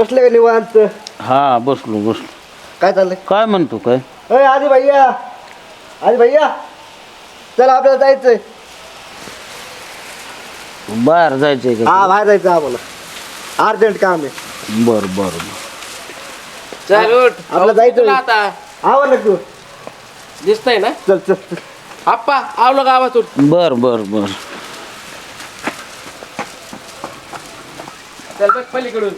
बसले का निवांत? हा बसलो. काय चाललंय? काय म्हणतो काय? अरे आधी भैया चला आपल्याला जायचंय. बाहेर जायचंय का? हा बाहेर जायचं आम्हाला, अर्जंट काम आहे. बर चल उठ. आपलं जायचं तुला आता आवडलं तू? दिसतंय ना चल चल चल. आप्पा आवलं गावातून. बर चल बघ पलीकडून.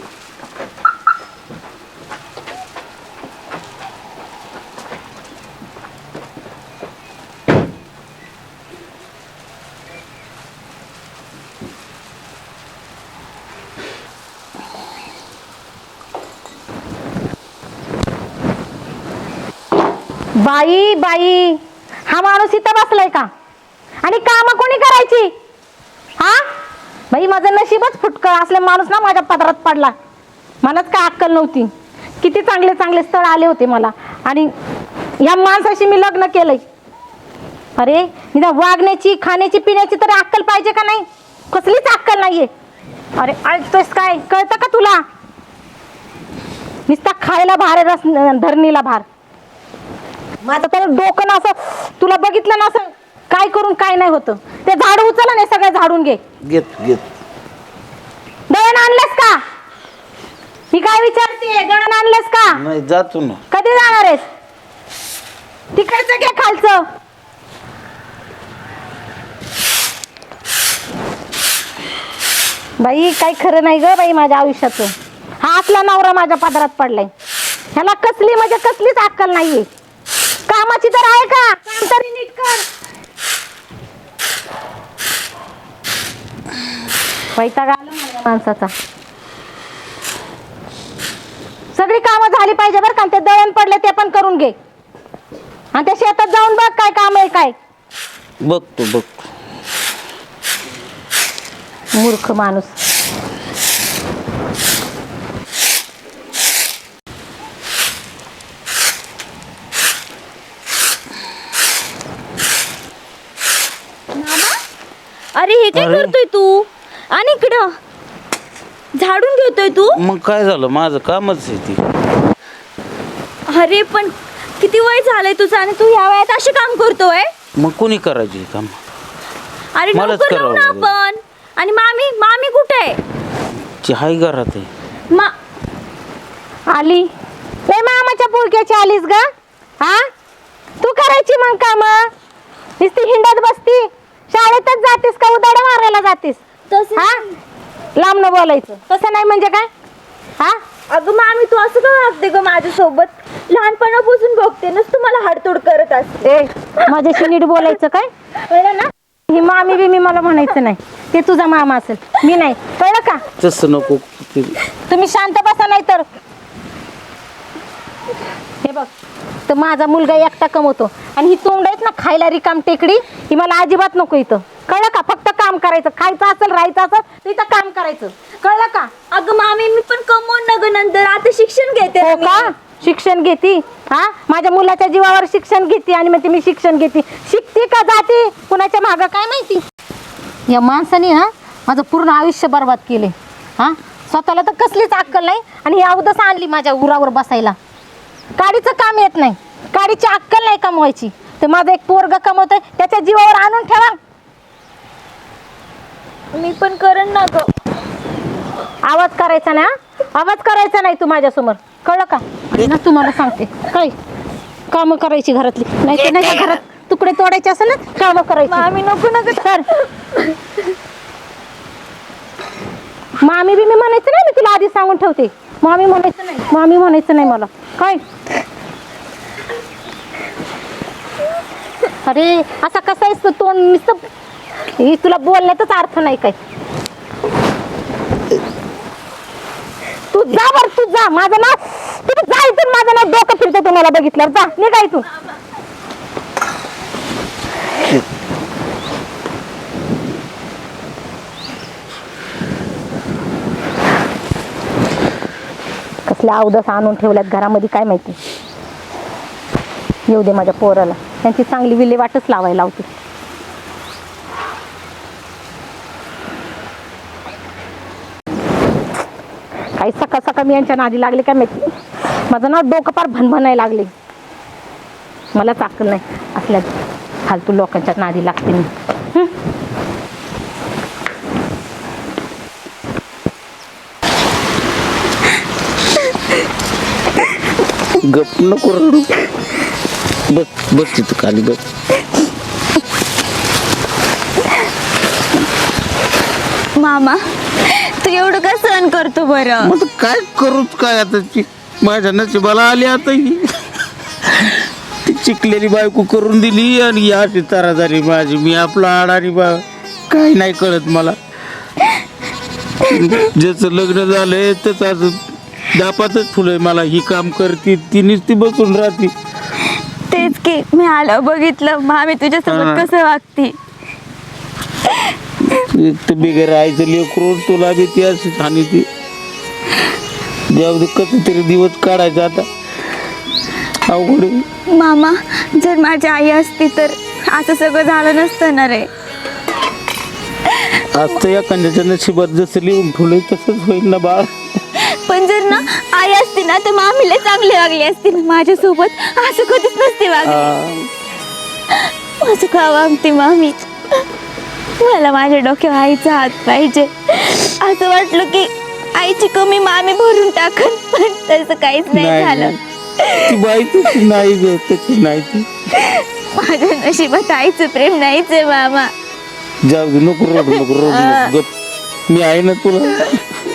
बाई बाई, हा माणूस इथं बसलाय का? आणि काम कोणी करायची? हा बाई, माझं नशीबच फुटकं, असले माणूस ना माझ्या पदरात पडला. मलाच काय अक्कल नव्हती. किती चांगले चांगले स्थळ आले होते मला, आणि या माणसाशी मी लग्न केलंय. अरे निदान वागण्याची, खाण्याची, पिण्याची तरी अक्कल पाहिजे का नाही? कसलीच अक्कल नाहीये. अरे ऐकतोयस काय? कळतं का तुला? नुसता खायला भार आहे, रस धरणीला भार. माझं तर डोकं ना असं, तुला बघितलं ना असं काय करून काय नाही होतं. ते झाडू उचला नाही, सगळं झाडून घे. घेत दळण आणलंस का? मी काय विचारते, दळण आणलंस का? नाही, जातो ना. कधी जाणार आहेस? तिकडचं घे खालचं. बाई काही खरं नाही ग बाई माझ्या आयुष्याचं. हा असला नवरा माझ्या पदरात पडलाय. ह्याला कसली म्हणजे कसलीच अक्कल नाहीये. कामाची तर आहे का? काम तरी नीट कर. वैताग आला मला माणसाचा. सगळी कामं झाली पाहिजे बरं का. ते दळण पडले ते पण करून घे. आणि त्या शेतात जाऊन बघ काय काम आहे काय. बघतो. मूर्ख माणूस. अरे हे काय करतोय तू? आणि इकडं झाडून घेतोय तू? मग काय झालं, माझं कामच आहे ती. अरे पण किती वय झालंय तुझं आणि तू ह्या वयात असे काम करतोय? मग कोणी करायची काम? अरे मलाच लवकर लावू ना करावं लागेल. आपण. आणि मामी कुठे आहे? ती हाय घरात आहे. आली लय मामाच्या पुळक्याची आलीस ग. हा तू करायची मग काम? नुसती हिंडत बसती. शाळेतच जातीस का उदाड्या मारायला जातीस? हा लांब न बोलायचं. तसं नाही म्हणजे काय? हा अगं मामी तू असं का वागते ग माझ्यासोबत? लहानपणापासून बघते नसतं मला हाडतोड करत असते. ए माझ्याशी नीट बोलायचं काय? कळलं ना? ही मामी बी मी मला म्हणायचं नाही. ते तुझा मामा असेल, मी नाही. कळलं का? तसं नको. तुम्ही शांत बसा. नाही तर हे बघ, तर माझा मुलगा एकटा कमवतो आणि ही तोंड आहेत ना खायला रिकाम टेकडी, ही मला अजिबात नको इथं. कळलं का? फक्त काम करायचं. खायचं असेल, राहायचं असेल तर इथं काम करायचं. कळलं का? अगं मामी मी पण कमवून नग नंतर. आता शिक्षण घेते हो मी. का? शिक्षण घेती? हा माझ्या मुलाच्या जीवावर शिक्षण घेते आणि मग मी शिक्षण घेते. शिकते का जाते कुणाच्या मागं काय माहिती. या माणसाने ना माझं पूर्ण आयुष्य बर्बाद केले. हा स्वतःला तर कसलीच अक्कल नाही आणि ही अवदस आणली माझ्या उरावर बसायला. गाडीचं काम येत नाही, गाडीची अक्कल नाही कमवायची. तर माझं एक पोरग कमवतोय, त्याच्या जीवावर आणून ठेवा. मी पण करण ना ग. आवाज करायचा ना, आवाज करायचा नाही तू माझ्यासमोर. कळलं का? आणि ना तुम्हाला सांगते काय कामं करायची घरातली. नाही तर नाही घरात तुकडे तोडायचे असेल ना कामं करायची. मामी नको नका सर मामी बी मी म्हणायचं नाही. मी तुला आधी सांगून ठेवते. मामी म्हणायचं नाही मला. काय अरे असा कसा आहेस तोंड नुसतं. तुला बोलण्यातच अर्थ नाही काय. तू जा बर, तू जा. माझं ना तू जा इथून. माझं ना डोकं फिरतं तुम्हाला बघितल्यावर. जा निघा इथून. कसल्या अवदस आणून ठेवल्यात घरामध्ये काय माहिती. येऊ दे माझ्या पोराला, त्यांची चांगली विल्हेवाटच लावायला लावते. काही सकाळ सकाळ मी यांच्या नादी लागले काय माहिती. माझं ना डोकं पार भनभनायला लागले. मला चाकल नाही असल्या फालतू लोकांच्या नादी लागते मी. गप नको रडू. बस बस तिथं खाली बस. मामा तू एवढं का सहन करतो बरं? मग काय करूच काय आता माझ्या नशिबाला आली आता ही. ती चिकलेली बायको करून दिली आणि या तारा झाली माझी. मी आपला अडाणी बा काही नाही कळत मला. ज्याचं लग्न झालंय त्याच आज दापातच फुलंय मला. ही काम करते ती नुसती बसून राहते. तेच की मी आलं बघितलं मामी तुझ्यासोबत कसं वागती. एक तर बिगर आईचं लेकरून तुला बी ती अशी आणि ती जाऊ दे कसं तरी दिवस काढायचा आता. अवघड आहे. मामा जर माझी आई असती तर असं सगळं झालं नसतं ना रे. आज तर एखाद्याच्या नशिबात जसं लिहून ठेवलंय तसंच होईल ना बाळ. पण जर ना आई असती ना तर मामीला चांगली वागली असती ना माझ्यासोबत. असं कधीच नसते वागली. असं का वागते मामी? मला माझ्या डोक्यावर आईचा हात पाहिजे. असं वाटलं की आईची कमी मामी भरून टाकन पण तसं काहीच नाही झालं. ती बाई तशी नाही ग तशी नाही ती. माझ्या नशिबात आईचं प्रेम नाहीच आहे मामा. जाऊ दे नको रडू नको रडू नको गप. मी आहे ना तुला.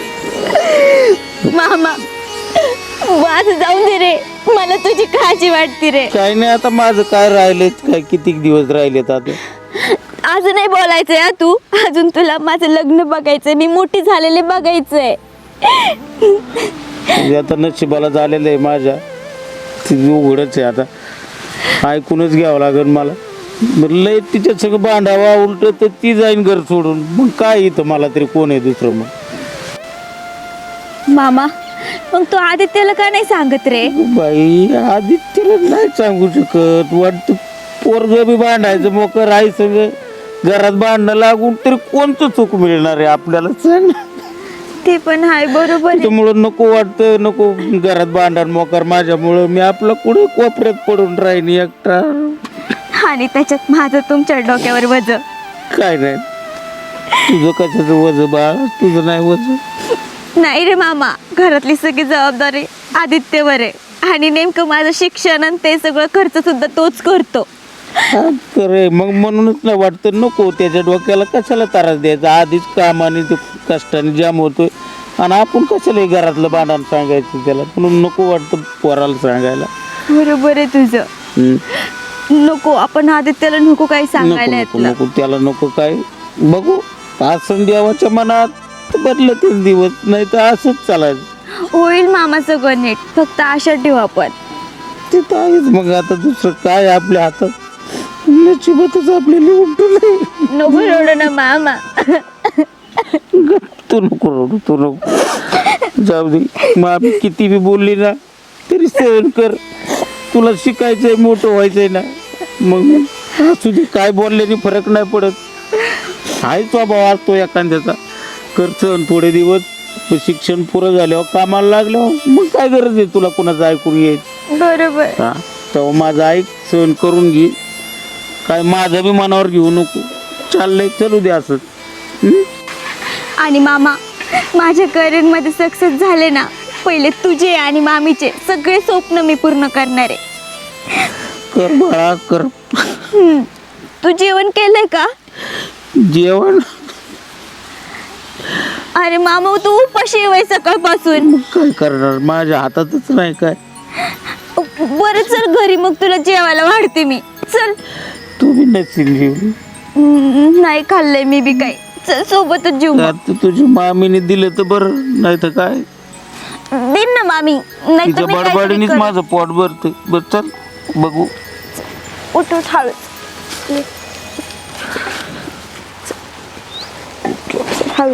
मामा माझं जाऊन दे रे. मला तुझी काळजी वाटते रे. काय नाही आता माझं काय राहिलंय काय किती दिवस राहिलेत आता. अजून नाही बोलायचंय तू. अजून तुला माझं लग्न बघायचंय. मी मोठी झालेले बघायचंय. म्हणजे आता नशिबाला झालेलं आहे माझ्या. ती उघडच आहे आता. ऐकूनच घ्यावं लागेल मला. लय तिच्या सगळं भांडावा उलट तर ती जाईन घर सोडून. मग काय इथं मला तरी कोण आहे दुसरं मग. मामा मग तू आदित्यला का नाही सांगत रे? बाई आदित्यला नाही सांगू शकत. वाटतं पोरग बी भांडायचं मोकर आई सगळं घरात भांडणं लागून तरी कोणतं चूक मिळणार आहे आपल्याला सांग. ते पण आहे बरोबर आहे. त्याच्यामुळं नको वाटतं नको घरात भांडण मोकर माझ्यामुळं. मी आपलं कुठे कोपऱ्यात पडून राहीन एकटा. आणि त्याच्यात माझं तुमच्या डोक्यावर वज. काय नाही तुझं कशाचं वज बाळ तुझं नाही वज. नाही रे मामा घरातली सगळी जबाबदारी आदित्यवर आहे. आणि नेमकं माझं शिक्षण आणि ते सगळं खर्च सुद्धा तोच करतो. खरे मग म्हणूनच नाही वाटतं नको त्याच्या डोक्याला कशाला त्रास द्यायचा. आधीच कामाने ते कष्टाने जाम होतोय आणि आपण कशाला घरातलं भांडण सांगायचं त्याला. म्हणून नको वाटतं पोराला सांगायला. बरोबर आहे तुझं. नको आपण आदित्यला नको काही सांगायला नको येतलं. नको त्याला नको काय बघू. असं देवाच्या मनात बदलतील दिवस नाही तर असंच चालायचं. होईल मामा सगळं नीट. फक्त आशा ठेवू आपण. ते तर आहेच. मग आता दुसरं काय आपल्या हातात. नशिबातच आपल्याला उलटलं. नको रडू ना मामा. तू नको रडू तू नको. जाऊ दे मग आम्ही किती बी बोलली ना तरी सहन कर. तुला शिकायचंय मोठं व्हायचंय ना. मग असू दे काय बोलल्याने फरक नाही पडत. हाय स्वभाव असतो एखाद्याचा. कर सहन थोडे दिवस. शिक्षण पुरं झाल्यावर कामाला लागल्यावर मग काय गरज आहे तुला कोणाचं ऐकून यायचं. बरोबर. हा तेव्हा माझं ऐक सहन करून घे. काय माझं बी मनावर घेऊ नको. चाललंय चलू दे असंच. आणि मामा माझ्या करिअर मध्ये सक्सेस झाले ना पहिले तुझे आणि मामीचे सगळे स्वप्न मी पूर्ण करणार आहे. कर बाळा कर. तू जेवण केलंय का? जेवण अरे मामा तू उपाशी आहे सकाळपासून. काय करणार माझ्या हातातच नाही काय. बरं चल घरी मग तुला जेवायला वाढते मी. चल. तू बी नसेल जेवली. नाही खाल्लंय मी बी काही. चल सोबतच जेवू. आता तुझ्या मामीने दिलं तर बरं नाही तर काय. दिन ना मामी. नाही तिच्या बडबडीनेच माझं पोट भरते. बर चल बघू. उठ उठ हळू. हळू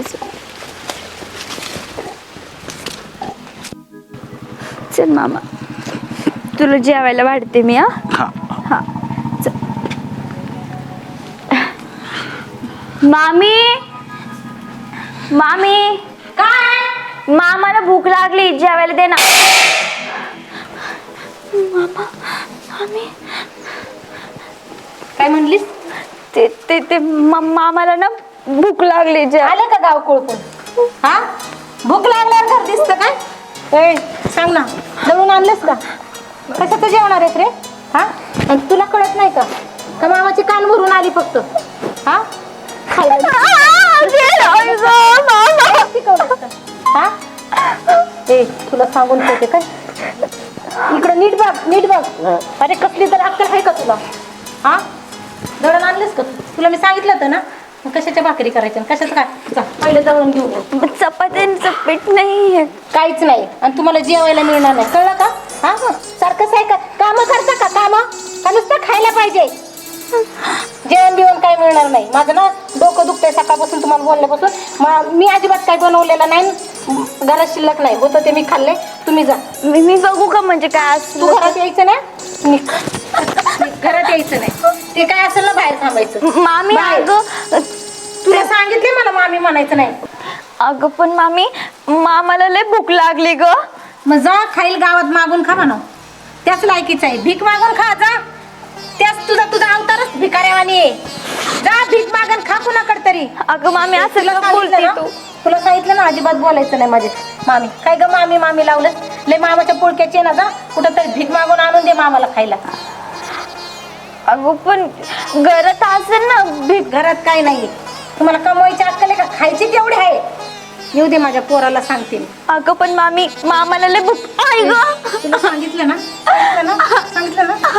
चल मामा तुला जेवायला वाढते मी. हा हा चल. मामी मामी काय मामाला भूक लागली, जेवायला दे ना. काय म्हणलीस? ते ते ते मामाला ना भूक लागली. आले का गाव कोळपून? हा, भूक लागल्यावर घर दिसतं काय? ए सांग ना, दळून आणलंस का? कशाचं जेवणार आहेस रे? हा, आणि तुला कळत नाही का मामाची कान भरून आली फक्त? हा, खायला शिकवलंस का? हा, ए तुला सांगून ठेवते काय, इकडं नीट बघ. अरे कसली तर अक्कल आहे का तुला? हा, दळण आणलंस का? तुला मी सांगितलं होतं ना कशाच्या भाकरी करायच्या, कशाचं काय. जा पहिले दळण घेऊ. चपात्यांचं पीठ नाही, काहीच नाही, आणि तुम्हाला जेवायला मिळणार नाही, कळलं का? हा, सारखंच आहे का? कामं करता का? का नुसतं खायला पाहिजे? जेवण बिवण काय मिळणार नाही. माझं ना डोकं दुखतंय सकाळपासून तुम्हाला बोलल्यापासून. मी अजिबात काय बनवलेलं नाही, घरात शिल्लक नाही होतं ते मी खाल्ले. तुम्ही जा. मी बघू का म्हणजे काय तू असलं? घरात यायचं ना, घरात यायचं नाही. ते काय असेल ना बाहेर थांबायचं. मामी बाहेर. अगं, तुला सांगितले मला मामी म्हणायचं नाही. अगं पण मामी, मामाला लय भूक लागली ग. मग जा, खाईल गावात मागून खा म्हणा. त्याच लायकीचं आहे, भीक मागून खा. जा, त्याच तुझा अवतारच भिकाऱ्यावानी आहे. जा भीक मागून खा कुणाकडे तरी. अगं मामी असं तुला का सांगितलं बोलते ना, तू? तुला सांगितलं ना अजिबात बोलायचं नाही माझे मामी. काय ग मामी मामी लावलं लय, मामाच्या पुळक्याची ना. जा कुठं तरी भीक मागून आणून दे मामाला खायला. अगं पण घरात असेल ना भीक. घरात काय नाहीये. तुम्हाला कमवायची अक्कल आहे का? खायची तेवढी आहे. येऊ दे, माझ्या पोराला सांगते मी. अगं पण मामी, मामाला लय भूक. आई ग, तुला सांगितलं ना, सांगितलं ना.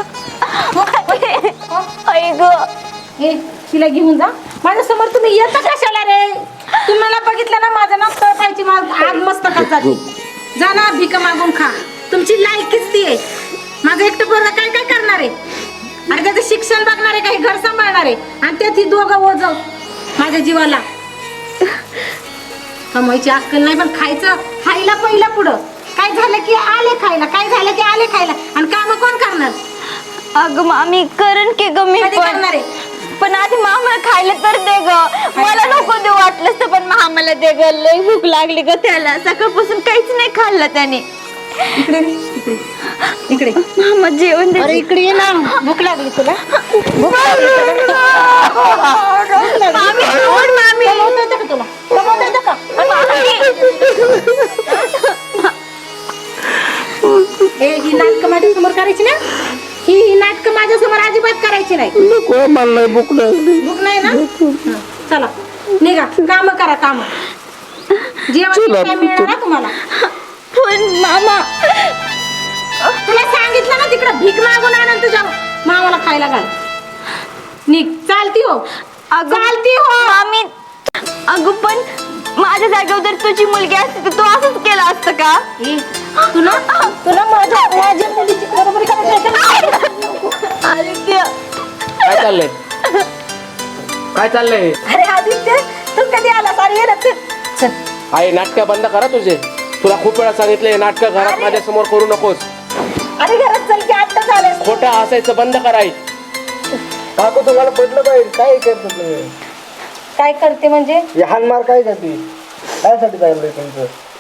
आई ग. हे तिला घेऊन जा. माझ्यासमोर तुम्ही येता कशाला रे? तुम्हाला बघितलं ना माझं ना तळपायची आग मस्त खात जाते. जा ना, भीक मागून खा. तुमची लायकीच ती आहे. माझं एकटं पोरं काय काय करणार आहे? अरे त्याचं शिक्षण बघणार आहे, काही घर सांभाळणार आहे, आणि त्यात ही दोघं ओझं माझ्या जीवाला. कमवायची अक्कल नाही, पण खायला पहिलं पुढं. काय झालं की आले खायला, काय झालं की आले खायला, आणि काम कोण करणार? अगं मामी, करण की ग मी कधी करणार आहे? पण आधी मामाला खायला तर दे ग. मला नको देऊ वाटलंच तर, पण मामाला दे ग. लय भूक लागली ग त्याला, सकाळपासून काहीच नाही खाल्लं त्याने. इकडे इकडे मामा जेवण दे. अरे इकडे ये ना, भूक लागली तुला? मामी सोड, मामी. कमवता येतं का तुला? कमवता येतं का? ही नाटकं माझ्या समोर करायची ना, ही नाटकं माझ्या समोर अजिबात करायची नाही. नको, मला लय भूक लागली. भूक नाही ना? हं, चला निघा, काम करा. काम जेवण काय मिळणार ना तुम्हाला? पण मामा, तुला सांगितलं ना तिकडं भीक मागून आणा, तुझ्या मामाला खायला घाल. निघ, चालती हो. चालती हो मामी. अगं पण माझ्या जागेवर जर तुझी मुलगी असती तर तू असंच केलं असतं का? तुला माझ्या मुलीची बरोबरी करायची आहे का? आदित्य, काय चाललंय? काय चाललंय? अरे आदित्य, तू कधी आला? अरे ये ना, चल. आई नाटकं बंद करा तुझे. तुला खूप वेळा सांगितलंय नाटकं घरात माझ्या समोर करू नकोस. अरे घरात चल की, आत्ता झालं. खोटं हसायचं बंद कराय. काकू तुम्हाला पडलं पाहिजे. काय करतो तुम्ही? काय करते म्हणजे? हानमार काय जाते? कायसाठी चाललंय तुमचं?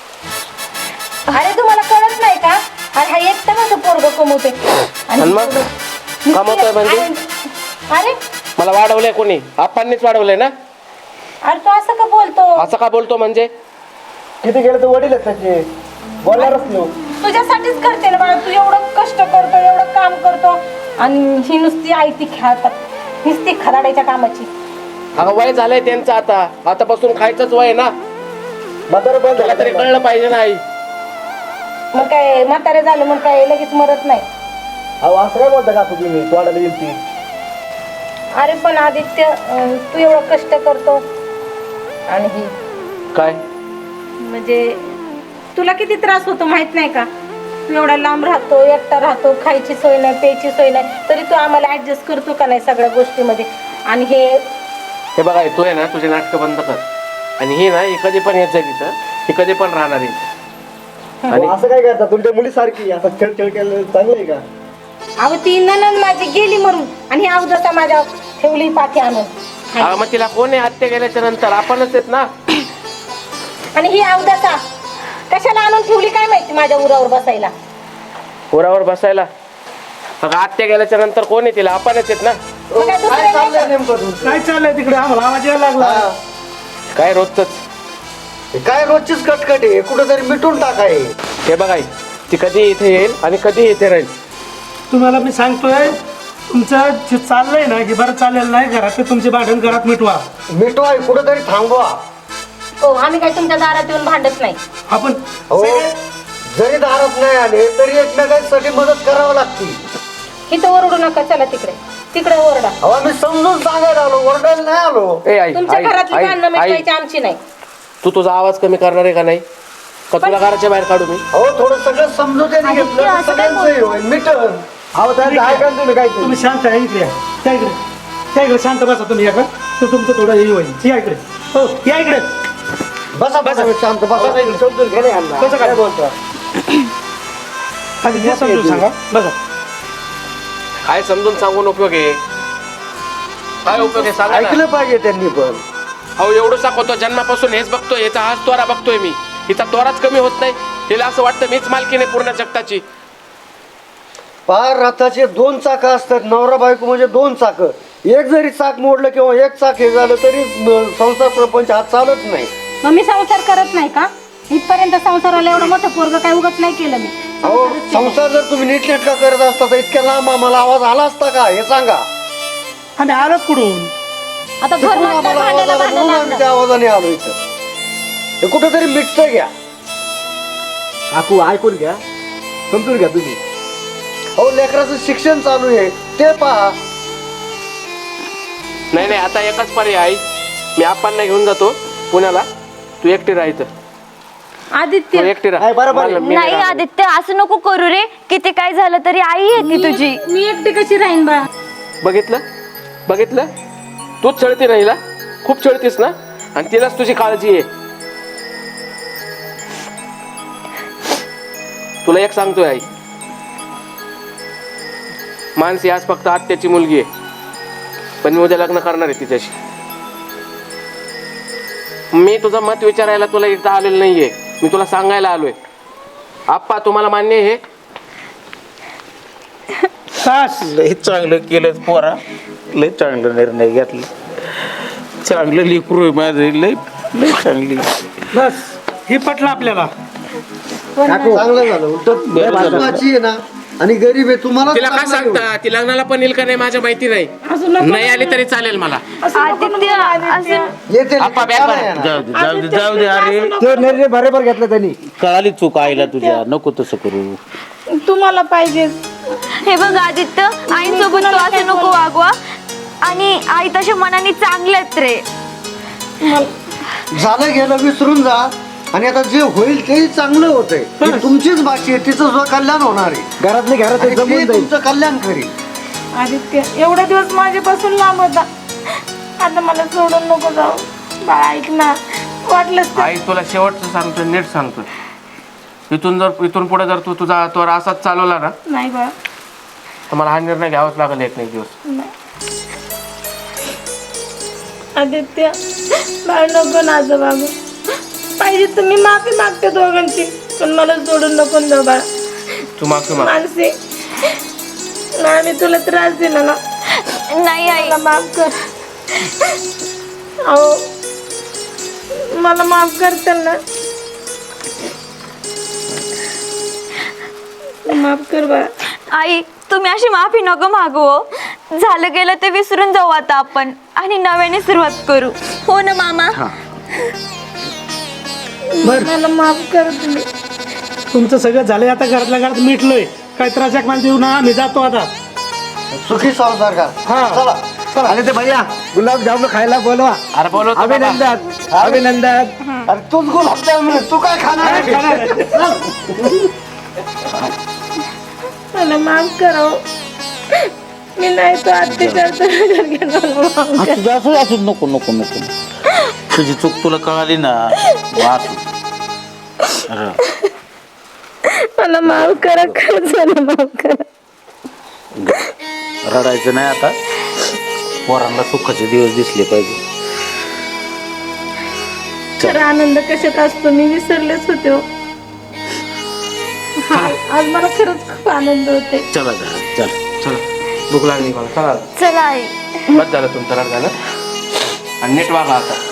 अरे तुम्हाला कळत नाही का? अरे हा एकटा माझं पोरग कमवते. आणि मग कमवतोय म्हणजे? अरे मला वाढवलंय कोणी? आप्पांनीच वाढवलंय ना? अरे तू असं का बोलतो? असं का बोलतो म्हणजे? किती गेलं तर वडील त्याचे बोलणारच नाही. तुझ्यासाठीच करते ना बाळा. तू एवढं कष्ट करतो, एवढं काम करतो, आणि ही नुसती आयती खेळतात, नुसती खदाड्याच्या कामाची. अगं वय झालंय त्यांचं आता. आतापासून खायचंच वय ना. म्हातारं बंद तुला तरी झालं. कळलं पाहिजे ना आई. मग काय म्हातारे झालं मग काय लगेच मरत नाही? अहो असं काय बोलता काकू तुम्ही? तोंडाला येईल ती. अरे पण आदित्य, तू एवढं कष्ट करतो, आणि ही काय म्हणजे तुला किती त्रास होतो माहित नाही का? तू एवढा लांब राहतो, एकटा राहतो, खायची सोय नाही, प्यायची सोय नाही, तरी तू आम्हाला ऍडजस्ट करतो का नाही सगळ्या गोष्टीमध्ये? आणि हे बघा, तू आहे ना तुझे नाटकं बंद कर. आणि ही ना ही कधी पण येत जाईल तिथं, ही कधी पण राहणार आहे. अहो, असं काय करता? तुमच्या मुलीसारखी असं खेळ केलं चांगलं आहे का? अहो ती नणंद माझी गेली मरून, आणि ही अवदसा माझ्या ठेवली पाठी आणून. हा, मग तिला कोण आहे? आत्या गेल्याच्या नंतर आपणच आहेत ना. आणि ही अवदसा कशाला आणून ठेवली काय माहिती माझ्या उरावर बसायला. उरावर बसायला अगं आत्या गेल्याच्या नंतर कोण आहे तिला? आपणच आहेत ना. मग काय दुसरं काय नाही चाललंय का? नेमकं तुमचं? काय चाललंय तिकडे? आम्हाला आवाज यायला लागला. हा. काय रोजच हे काय रोजचीच कटकट आहे, कुठंतरी मिटून टाकाय. हे बघाय ती कधी इथे येईल आणि कधी इथे राहील. तुम्हाला मी सांगतोय, तुमचं जे चाललंय ना हे बरं चालेल नाही. घरात ते तुमचे भांडण घरात मिटवा. मिटवाय कुठंतरी थांबवा. हो आम्ही काय तुमच्या दारात येऊन भांडत नाही. आपण हो जरी दारात नाही आले तरी एकमेकांसाठी मदत करावं लागते. इथं ओरडू नका, चला तिकडे तिकडे ओरडा. अहो आम्ही समजून सांगायला आलो, ओरडायला नाही आलो. ए आई तुमच्या आई घरातली भांडणं आई आई मिटवायची आमची नाही. तू तुझा आवाज कमी करणार आहे का नाही? का तुला घराच्या बाहेर काढू मी? अहो थोडं सगळं समजून घेतलं तर सगळ्यांचंही होईल मिटन. अहो त्यांचं ऐका ना तुम्ही काय ते. तुम्ही शांत आहे. इकडे या. त्या इकडे त्या इकडे शांत बसा तुम्ही. या का तर तुमचं थोडं हे होईल. या इकडे. हो या इकडे. बसा बसा शांत बसा. समजून घे ना यांना. कसं काय बोलतो? खाली जे समजून सांगा. बसा. काय समजून सांगून उपयोग आहे? काय उपयोग आहे सांगा ना. ऐकलं पाहिजे त्यांनी पण. अहो एवढं साखवतो जन्मापासून हेच बघतोय, याचा हाच त्वरा बघतोय मी. हिचा त्वराच कमी होत नाही. तिला असं वाटतं मीच मालकीण आहे पूर्ण जगताची. पार रथाचे 2 चाकं असतात. नवरा बायको म्हणजे 2 चाकं. एक जरी चाक मोडलं किंवा एक चाक हे झालं तरी संसार प्रपंच हा चालत नाही. मग मी संसार करत नाही का? इथपर्यंत संसाराला एवढं मोठं पोरग काय उगत नाही केलं मी. अहो संसार जर तुम्ही नीटनेटका करत असता तर इतक्या लांब आम्हाला आवाज आला असता का हे सांगा. आम्ही आलोच कुठून? आता घर तिकडून म्हटलं आम्हाला आवाज भांडायला आला भांडण म्हणून आम्ही लागलं. त्या आवाजाने आलो इथं. हे कुठंतरी मिटतं घ्या. काकू ऐकून घ्या, समजून घ्या तुम्ही. अहो लेकराचं शिक्षण चालू आहे ते पहा. नाही नाही आता एकच पर्याय आहे. मी आप्पांना घेऊन जातो पुण्याला. तू एकटी राहायचं. तू आदित्य एकटी राहा. आहे, बरोबर आहे. मला- मी नाही राहणार. आदित्य असं नको करू रे. किती काय झालं तरी आई येते तुझी. मी एकटी कशी राहीन बा? बघितलं बघितलं तूच चळती नाही खूप चळतीस ना, आणि तिलाच तुझी काळजी आहे. तुला एक सांगतोय आई, मानसी आज फक्त आत्याची मुलगी आहे, पण मी उद्या लग्न करणार आहे तिच्याशी. मी तुझं मत विचारायला तुला एकदा आलेलं नाहीये, मी तुला सांगायला आलोय. आप्पा तुम्हाला मान्य आहे? सास लय चांगलं केलं पोरा, लय चांगला निर्णय घेतला. चांगलं लेकरू आहे माझं, लय लय चांगली. बस हे पटलं आपल्याला. चांगलं झालं. उलट महत्वाची आहे ना आणि गरीब आहे तुम्हाला. तिला काय सांगता? ती लग्नाला पण येईल का नाही माझ्या माहिती नाही. नाही आली तरी चालेल मला. आदित्य असं येते आप्पा बॅग भरा. जाऊ दे जाऊ दे जाऊ दे. अरे ते निर्णय बरोबर घेतला त्यांनी. कळाली चूक आईला तुझ्या, नको तसं करू. तुम्हाला पाहिजे. हे बघ आदित्य, आईसोबत तू असं नको वागवा. आणि आई तशा मनाने चांगल्यात रे. झालं गेलं विसरून जा. आणि आता जे होईल ते चांगलं होतंय. ही तुमचीच बाकी आहे, तिचं जो कल्याण होणार आहे. घरातले घरात तुमचं कल्याण करील. आदित्य एवढे दिवस माझ्यापासून लांब होता, आता मला सोडून नको जाऊ. बाळा ऐक ना, वाटलं आई तुला शेवटचं सांगतोय, नीट सांगतोय. इथून पुढे जर तू तुझा तो असाच चालवला ना, नाही बाळा. तर मला हा निर्णय घ्यावाच लागेल एक नाही दिवस. आदित्य बाळ नको ना असं बाबू. पाहिजे तर मी माफी मागते दोघांची, पण मला सोडून नको ना बाळा. तू माफी माग. मानसी नाही मी तुला त्रास दिला ना, नाही आई, मला माफ कर. अहो मला माफ करताल ना? माफ कर बाळा. आई तुम्ही अशी माफी नको मागू हो. झालं गेलं ते विसरून जाऊ आता आपण आणि नव्याने सुरुवात करू. हो ना मामा? मला माफ कर तुम्ही. तुमचं सगळं झालंय, आता घरातल्या घरात मिटलोय. काय त्रास एक मला देऊ ना, मी जातो आता. सुखी संसार का. हा. चला चला. आणि ते भैया गुलाबजामुन खायला बोलवा. अरे बोलव तो बाबा. अभिनंदन अभिनंदन. अरे तूच गुलाबजामुन, तू काय खाणार आहे? मला माफ करा. मी नाही तो अत्याचार असू असू असू नको नको नको. तुझी चूक तुला कळाली ना, वाच. मला माफ करा. खरंच मला माफ करा. रडायचं नाही आता. पोरांना सुखाचे दिवस दिसले पाहिजे. खरं आनंद कशात असतो मी विसरलेच होते हो. आज मला खरंच खूप आनंद होते. चला चला. चला भूक लागली मला चला चला आई. बस झालं तुमचं रड झालं आणि नीट वागा आता.